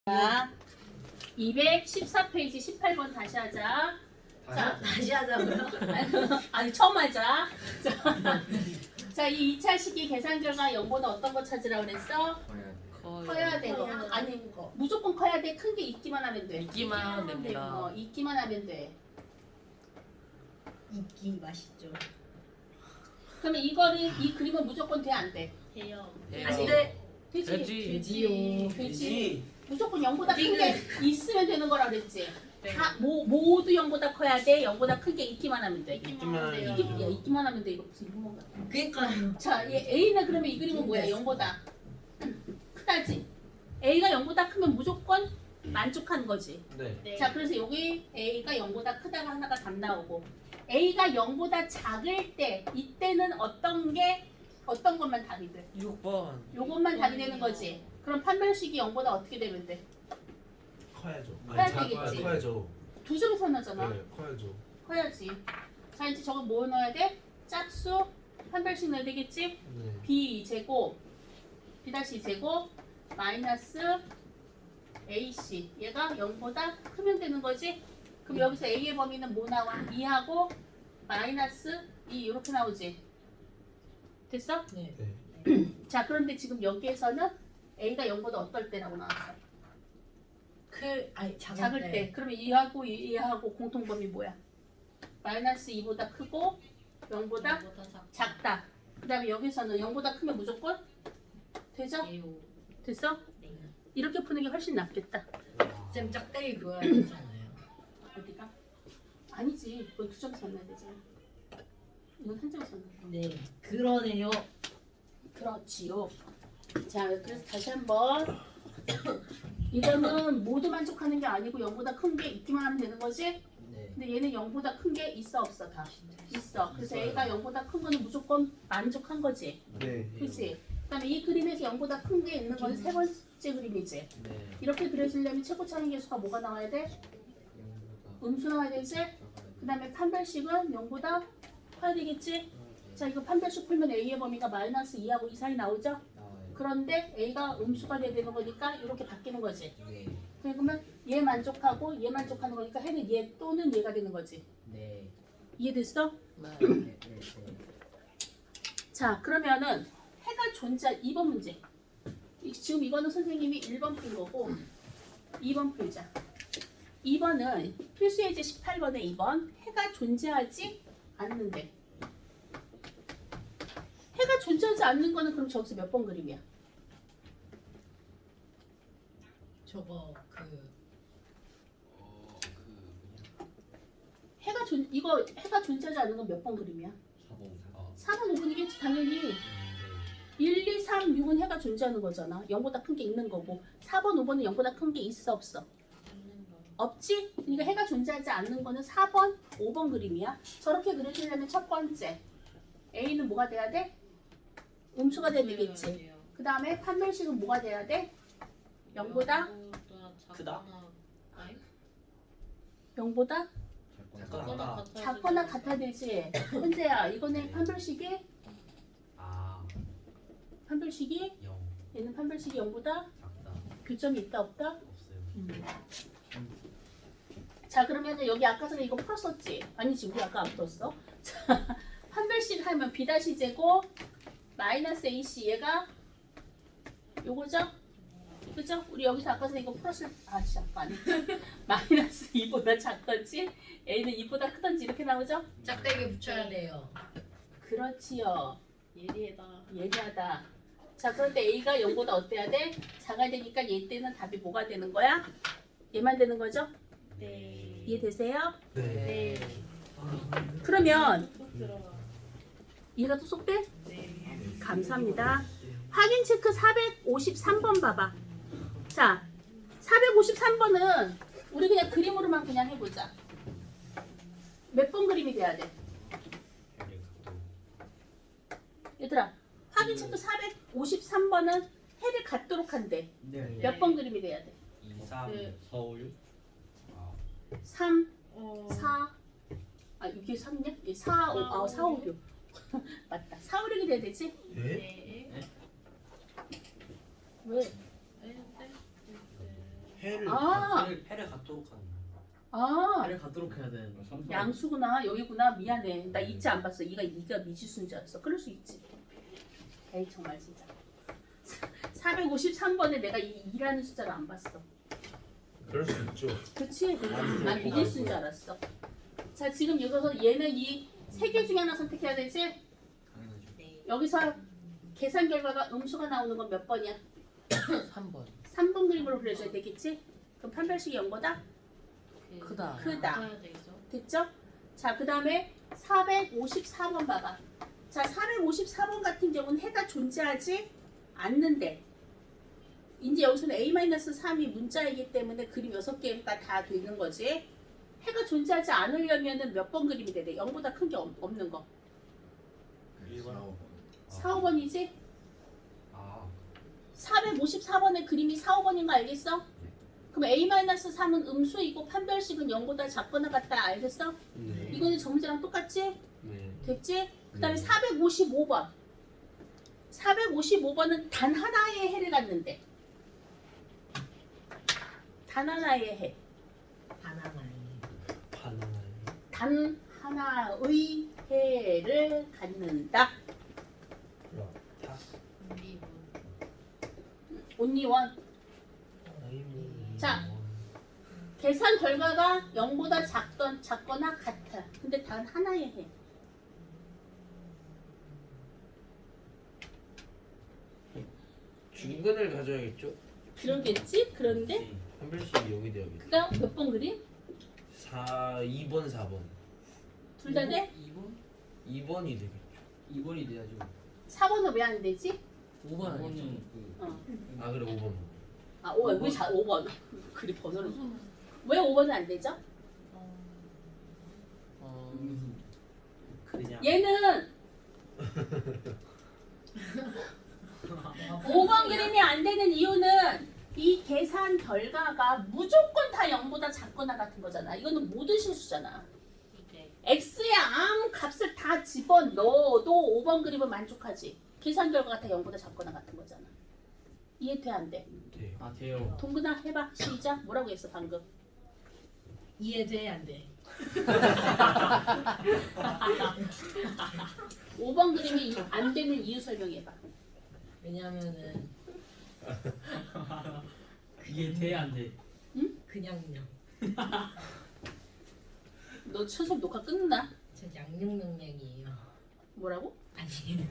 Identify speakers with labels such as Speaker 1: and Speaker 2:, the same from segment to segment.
Speaker 1: 자, 214페이지 18번 다시 하자. 자,
Speaker 2: 다시 하자고요?
Speaker 1: 아니 처음 하자. 자, 이 2차 시기 계산 결과 0보다 어떤 거 찾으라고 그랬어? 커야 되고 아니
Speaker 2: 거.
Speaker 1: 무조건 커야 돼. 큰 게 있기만 하면 돼.
Speaker 3: 있기만 하면 됩니다.
Speaker 1: 있기만 하면 돼.
Speaker 2: 이끼 맛있죠.
Speaker 1: 그러면 이거는 이 그림은 무조건 돼 안 돼?
Speaker 2: 돼요.
Speaker 1: 안 돼. 되지.
Speaker 2: 되지요.
Speaker 1: 되지. 무조건 0보다 큰 게 있으면 되는 거라 그랬지.
Speaker 3: 네.
Speaker 1: 다 모두 0보다 커야 돼. 0보다 큰 게 있기만 하면 돼.
Speaker 3: 있기만 해요.
Speaker 1: 있기만 하면 돼. 이거 무슨 이런 거.
Speaker 2: 그러니까요.
Speaker 1: 자, 얘 A는 그러면 이 그림은 뭐야? 0보다 크다지. A가 0보다 크면 무조건 만족한 거지.
Speaker 3: 네.
Speaker 1: 자, 그래서 여기 A가 0보다 크다가 하나가 답 나오고 A가 0보다 작을 때 이때는 어떤 것만 답이 돼?
Speaker 3: 6번.
Speaker 1: 요것만 답이 되는 거지. 그럼 판별식이 0보다 어떻게 되면 돼?
Speaker 4: 커야죠.
Speaker 1: 커야 되겠지.
Speaker 4: 커야죠.
Speaker 1: 두 점에서 나잖아.
Speaker 4: 네, 커야죠.
Speaker 1: 커야지. 자, 이제 저거 뭐 넣어야 돼? 짝수 판별식 넣어야 되겠지?
Speaker 4: 네.
Speaker 1: B 제곱 B 제곱 마이너스 AC 얘가 0보다 크면 되는 거지? 그럼 여기서 A의 범위는 뭐 나와? 2하고 마이너스 2 이렇게 나오지? 됐어?
Speaker 2: 네.
Speaker 4: 네.
Speaker 1: 자, 그런데 지금 여기에서는 A가 0보다 어떨 때라고 나왔어?
Speaker 2: 아니
Speaker 1: 작을 때. 그러면 2하고 공통 범위 뭐야? 마이너스 2보다 크고 0보다 작다. 그 다음에 여기서는 0보다 크면 무조건 되죠? 됐어?
Speaker 2: 네.
Speaker 1: 이렇게 푸는 게 훨씬 낫겠다.
Speaker 2: 쌤 짝대기 그어야 되잖아요.
Speaker 1: 어디가? 아니지. 이건 두 점에서 만나야 되잖아. 이건 한 점에서 만나야 돼.
Speaker 2: 네. 그러네요.
Speaker 1: 그렇지요. 자, 그래서 다시 한번 이거는 모두 만족하는 게 아니고 0보다 큰 게 있기만 하면 되는 거지?
Speaker 2: 네.
Speaker 1: 근데 얘는 0보다 큰 게 있어 없어 다? 있어. 그래서
Speaker 4: 있어요.
Speaker 1: A가 0보다 큰 거는 무조건 만족한 거지.
Speaker 4: 네.
Speaker 1: 그렇지? 그다음에 이 그림에서 0보다 큰 게 있는 건 세 번째 그림이지.
Speaker 3: 네.
Speaker 1: 이렇게 그려지려면 최고 차이 계수가 뭐가 나와야 돼? 음수 나와야 되지? 그 다음에 판별식은 0보다 커야 되겠지? 자, 이거 판별식 풀면 A의 범위가 마이너스 2하고 2 사이 나오죠? 그런데 A가 음수가 돼야 되는 거니까 이렇게 바뀌는 거지. 그러면 얘 만족하고 얘 만족하는 거니까 해는 얘 또는 얘가 되는 거지.
Speaker 2: 네.
Speaker 1: 이해됐어?
Speaker 2: 네.
Speaker 1: 자, 그러면은 해가 존재할 2번 문제. 지금 이거는 선생님이 1번 푼 거고 2번 풀자. 2번은 필수 예제 18번에 2번 해가 존재하지 않는데 해가 존재하지 않는 거는 그럼 저기서 몇 번 그림이야?
Speaker 2: 저거
Speaker 1: 이거 해가 존재하지 않는 건 몇 번 그림이야? 4번 5번이겠지 당연히. 1, 2, 3, 6은 해가 존재하는 거잖아. 0보다 큰 게 있는 거고 4번, 5번은 0보다 큰 게 있어 없어? 없지? 그러니까 해가 존재하지 않는 거는 4번, 5번 그림이야. 저렇게 그려주려면 첫 번째 A는 뭐가 돼야 돼? 음수가 돼야 되겠지. 그 다음에 판별식은 뭐가 돼야 돼? 0보다?
Speaker 3: 크다.
Speaker 1: 0보다?
Speaker 3: 작거나
Speaker 1: 작거나 같아야 되지. 현재야 이거는 판별식이 얘는 판별식이 0보다 교점이 있다 없다? 자, 그러면 여기 아까 전에 이거 풀었었지? 아니지, 우리 아까 안 풀었어. 자, 판별식 하면 B 제곱 마이너스 AC 얘가 요거죠? 그죠? 우리 여기서 아까 전에 이거 잠깐 마이너스 2보다 작던지 A는 2보다 크던지 이렇게 나오죠?
Speaker 2: 짝대기 붙여야 돼요.
Speaker 1: 그렇지요.
Speaker 3: 예리하다.
Speaker 1: 예리하다. 자, 그런데 A가 0보다 어때야 돼? 작아야 되니까 얘 때는 답이 뭐가 되는 거야? 얘만 되는 거죠?
Speaker 3: 네.
Speaker 1: 이해되세요?
Speaker 4: 네.
Speaker 1: 그러면
Speaker 3: 들어가.
Speaker 1: 이해가 또 쏙 돼?
Speaker 3: 네.
Speaker 1: 감사합니다. 확인 체크 453번 봐봐. 자, 453번은 우리 그냥 그림으로만 그냥 해보자. 몇 번 그림이 돼야 돼? 얘들아, 확인 체크 453번은 해를 갖도록 한대. 몇 번 그림이 돼야 돼?
Speaker 3: 2, 3, 4, 5, 6.
Speaker 1: 3, 4, 이게 3이냐? 4, 5, 4, 5, 6. 맞다. 4, 5, 6이 돼야 되지?
Speaker 4: 네?
Speaker 1: 왜?
Speaker 4: 해를
Speaker 1: 아,
Speaker 5: 해를 갖도록 하는 거야.
Speaker 1: 아,
Speaker 6: 해를 갖도록 해야 돼.
Speaker 1: 양수구나. 여기구나. 미안해. 나 잊지 안 봤어. 네가 미지수인 줄 알았어. 그럴 수 있지. 에이 정말 진짜. 453번에 내가 이 2라는 숫자를 안 봤어.
Speaker 4: 그럴 수 있죠.
Speaker 1: 그치? 난 미지수인 줄 알았어. 자, 지금 여기서 얘는 이 세 개 중에 하나 선택해야 되지?
Speaker 2: 네.
Speaker 1: 여기서 계산 결과가 음수가 나오는 건 몇 번이야?
Speaker 2: 3번.
Speaker 1: 3번 그림으로 그려줘야 되겠지? 그럼 판별식이 0보다
Speaker 2: 크다.
Speaker 1: 크다.
Speaker 3: 해야 되죠.
Speaker 1: 됐죠? 자, 그 다음에 454번 봐봐. 자, 454번 같은 경우는 해가 존재하지 않는데 이제 여기서는 A-3이 문자이기 때문에 그림 6개가 다 되는 거지. 해가 존재하지 않으려면 몇 번 그림이 돼야 돼? 0보다 큰 게 없는 거.
Speaker 4: 1번.
Speaker 1: 4, 5번이지?
Speaker 5: 아
Speaker 1: 454번의 그림이 4, 5번인 거 알겠어? 그럼 A-3은 음수이고 판별식은 0보다 작거나 같다. 알겠어?
Speaker 3: 네.
Speaker 1: 이거는 저 문제랑 똑같지?
Speaker 3: 네.
Speaker 1: 됐지? 그 다음에 455번. 455번은 단 하나의 해를 갖는데. 단 하나의 해.
Speaker 2: 바나나이.
Speaker 3: 바나나.
Speaker 1: 단 하나의 해를 갖는다.
Speaker 4: 다.
Speaker 3: 리본.
Speaker 1: 온리원. 자. 계산 결과가 0보다 작거나 같아. 근데 단 하나의 해.
Speaker 6: 중근을 가져야겠죠?
Speaker 1: 그러겠지? 그런데
Speaker 6: 판별식이 여기 돼야겠죠.
Speaker 1: 그가 몇 번 그림?
Speaker 6: 2번, 4번.
Speaker 1: 둘 다 돼?
Speaker 5: 2번?
Speaker 6: 2번이 되겠죠.
Speaker 5: 2번이 돼야지
Speaker 1: 4번은 왜 안 되지?
Speaker 5: 5번 아니죠?
Speaker 1: 어.
Speaker 6: 아 그래 5번.
Speaker 1: 아, 5번. 왜 5번? 그리 번호를. 왜 5번은 안 되죠?
Speaker 5: 그냥
Speaker 1: 얘는 5번 그림이 안 되는 이유는 이 계산 결과가 무조건 다 0보다 작거나 같은 거잖아. 이거는 모든 실수잖아.
Speaker 3: 네.
Speaker 1: x의 아무 값을 다 집어넣어도 5번 그림은 만족하지. 계산 결과가 다 0보다 작거나 같은 거잖아. 이해돼 안 돼?
Speaker 6: 돼요.
Speaker 5: 아 돼요
Speaker 1: 동근아 해봐. 시작. 뭐라고 했어 방금?
Speaker 2: 이해돼 안 돼?
Speaker 1: 5번 그림이 안 되는 이유 설명해봐.
Speaker 2: 왜냐면은
Speaker 5: 그게 돼야 안돼
Speaker 2: 그냥요.
Speaker 1: 너 수업 녹화 끊나?
Speaker 2: 저 양육 능력이에요.
Speaker 1: 뭐라고?
Speaker 2: 아니에요.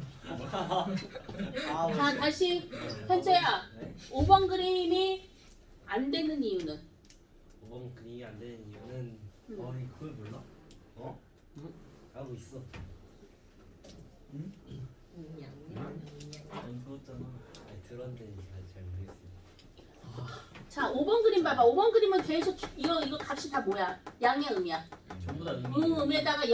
Speaker 1: 자 다시 현재야. 5번 그림이 안 되는 이유는?
Speaker 5: 5번 그림이 안 되는 이유는 그걸 몰라? 어? 알고 있어
Speaker 2: 양육 능력.
Speaker 5: 안 들었잖아 아니 들었는데 잘 모르겠어
Speaker 1: 자 5번 그림 봐봐. 5번 그림은 계속 이거 값이 다 뭐야? 양이야 음이야?
Speaker 5: 전부 다
Speaker 1: 음에다가